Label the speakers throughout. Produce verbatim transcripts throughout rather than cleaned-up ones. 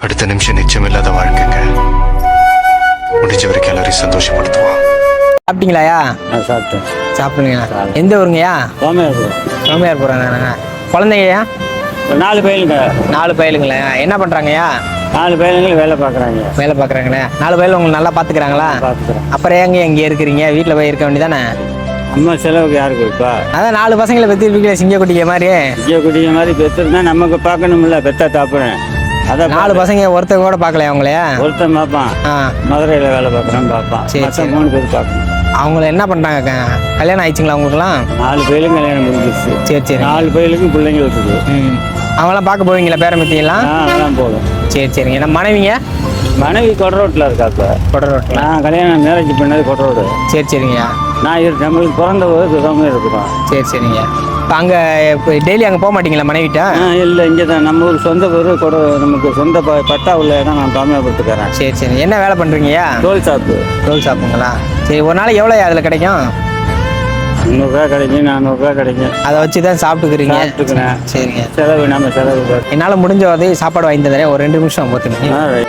Speaker 1: அடுத்த நிமிஷம் நிச்சயமில்லாத வாழ்க்கைங்க. முடிஞ்ச வரைக்கும் எல்லாரையும் சந்தோஷப்படுத்துவோம்.
Speaker 2: சாப்பிட்டீங்களாயா?
Speaker 3: நான் சாப்பிட்டேன்.
Speaker 2: சாப்பிடுங்கண்ணா. எந்த ஊருங்கய்யா?
Speaker 3: சோமையார்.
Speaker 2: சோமையார் போகிறாங்கண்ணா. குழந்தைங்கய்யா?
Speaker 3: நாலு பயிலுங்க.
Speaker 2: நாலு பயிலுங்களா? என்ன பண்ணுறாங்கய்யா?
Speaker 3: நாலு பயிலுங்களும் வேலை பார்க்குறாங்க.
Speaker 2: வேலை பார்க்குறாங்களே. நாலு பயிலும் உங்களுக்கு நல்லா பார்த்துக்கிறாங்களா?
Speaker 3: பார்த்துக்கிறேன்.
Speaker 2: அப்புறம் ஏங்க இங்கே இருக்கிறீங்க? வீட்டில் போய் இருக்க வேண்டியதானே?
Speaker 3: அம்மா செலவுக்கு யாருக்கு இருப்பா?
Speaker 2: அதான் நாலு பசங்களை பெற்றிருப்பீங்களே சிங்க குட்டிக்க மாதிரி.
Speaker 3: இங்கே குடிக்க மாதிரி பெற்றுருந்தா நமக்கு பார்க்கணும்ல, பெத்தா தாப்புறேன். அதான்
Speaker 2: நாலு பசங்க ஒருத்தர் கூட பார்க்கலையா அவங்களே?
Speaker 3: ஒருத்தன் பார்ப்பான்.
Speaker 2: ஆ,
Speaker 3: மதுரையில் வேலை பார்க்குறான்னு பார்ப்பான்.
Speaker 2: சரி,
Speaker 3: மற்ற
Speaker 2: சரி.
Speaker 3: மூணு பேர் பார்க்கணும்.
Speaker 2: அவங்கள என்ன பண்ணுறாங்க? கல்யாணம் ஆயிடுச்சுங்களா அவங்களுக்குலாம்?
Speaker 3: நாலு பயிலும் கல்யாணம் முடிஞ்சிருச்சு.
Speaker 2: சரி சரி.
Speaker 3: நாலு பயிலுக்கும் பிள்ளைங்க இருக்குது.
Speaker 2: ம், அவங்களாம் பார்க்க போவீங்களா பேரம்பத்தியெல்லாம்?
Speaker 3: ஆ, அதெல்லாம் போதும்.
Speaker 2: சரி சரிங்க. நம்ம மனைவிங்க?
Speaker 3: மனைவி கொடரோட்டில் இருக்காப்ப.
Speaker 2: கொடை ரோட்டில்.
Speaker 3: நான் கல்யாணம் மேரேஜ் பண்ணது கொடரோடு.
Speaker 2: சரி சரிங்கய்யா.
Speaker 3: நான் இரு நம்மளுக்கு பிறந்த போது சுதமே இருக்கிறோம்.
Speaker 2: சரி சரிங்க. இப்போ அங்கே இப்போ டெய்லி அங்கே போக மாட்டீங்களா மனைவிட்ட?
Speaker 3: ஆ, இல்லை, இங்கே தான் நம்ம ஊர் சொந்த ஊர் கொட. நமக்கு சொந்த ப பட்டா உள்ள இடம். நான் தாமிரபுரத்துக்காரன்.
Speaker 2: சரி சரி. என்ன வேலை பண்ணுறீங்கய்யா?
Speaker 3: Toll shop.
Speaker 2: ரோல் ஷாப்புங்களா? சரி. ஒரு நாளைக்கு எவ்வளோ அதில் கிடைக்கும்?
Speaker 3: முந்நூறுரூவா கிடைக்கும், நானூறுரூவா கிடைக்கும்.
Speaker 2: அதை வச்சு தான் சாப்பிட்டுக்கிறீங்க?
Speaker 3: சாப்பிட்டுக்கிறேன்.
Speaker 2: சரிங்க.
Speaker 3: செலவு நம்ம செலவு பார்த்து.
Speaker 2: என்னால் முடிஞ்ச உதவி சாப்பாடு வாங்கி தந்துடுறேன். ஒரு ரெண்டு நிமிஷம் பார்த்துங்க.
Speaker 3: ஆ, ரைட்.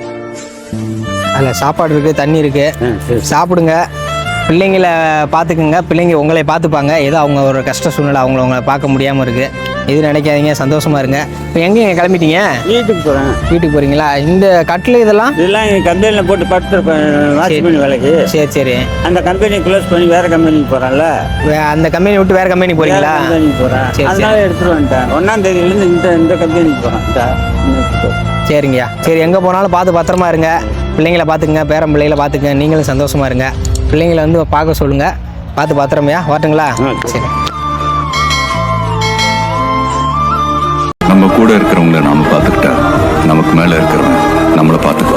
Speaker 2: அதில் சாப்பாடு இருக்குது, தண்ணி இருக்குது.
Speaker 3: ஆ, சரி.
Speaker 2: சாப்பிடுங்க. பிள்ளைங்களை பார்த்துக்குங்க. பிள்ளைங்க உங்களை பார்த்துப்பாங்க. ஏதோ அவங்க ஒரு கஷ்ட சூழ்நிலை, அவங்கள உங்களை பார்க்க முடியாமல் இருக்குது. இது நினைக்காதீங்க, சந்தோஷமாக இருங்க. இப்போ எங்கேங்க கிளம்பிட்டீங்க?
Speaker 3: வீட்டுக்கு போகிறேன்.
Speaker 2: வீட்டுக்கு போகிறீங்களா? இந்த கட்டில் இதெல்லாம்?
Speaker 3: இதெல்லாம் எங்கள் கம்பெனியில் போட்டு படுத்துருப்பேன். வாட்ச்மேன் வேலைக்கு.
Speaker 2: சரி சரி.
Speaker 3: அந்த கம்பெனி க்ளோஸ் பண்ணி வேறு கம்பெனிக்கு போகிறேன்ல.
Speaker 2: வே- அந்த கம்பெனி விட்டு வேறு கம்பெனி போகிறீங்களா?
Speaker 3: கம்பெனிக்கு போகிறேன்.
Speaker 2: சரி, சரி.
Speaker 3: அதனால எடுத்துகிட்டு வந்துட்டேன். ஒன்றாம் தேதியிலேருந்து இந்த இந்த கம்பெனிக்கு போகிறேன்.
Speaker 2: சரிங்கய்யா. சரி, எங்கே போனாலும் பார்த்து பத்திரமா இருங்க. பிள்ளைங்கள பார்த்துக்குங்க, பேரன் பிள்ளைகளை பார்த்துக்குங்க. நீங்களும் சந்தோஷமா இருங்க. பிள்ளைங்களை வந்து பார்க்க சொல்லுங்கள். பார்த்து பத்திரமையா வரட்டுங்களா? சரி.
Speaker 4: நம்ம கூட இருக்கிறவங்கள நாம பார்த்துக்கிட்டா நமக்கு மேல இருக்கிறவங்க நம்மளை பார்த்துக்க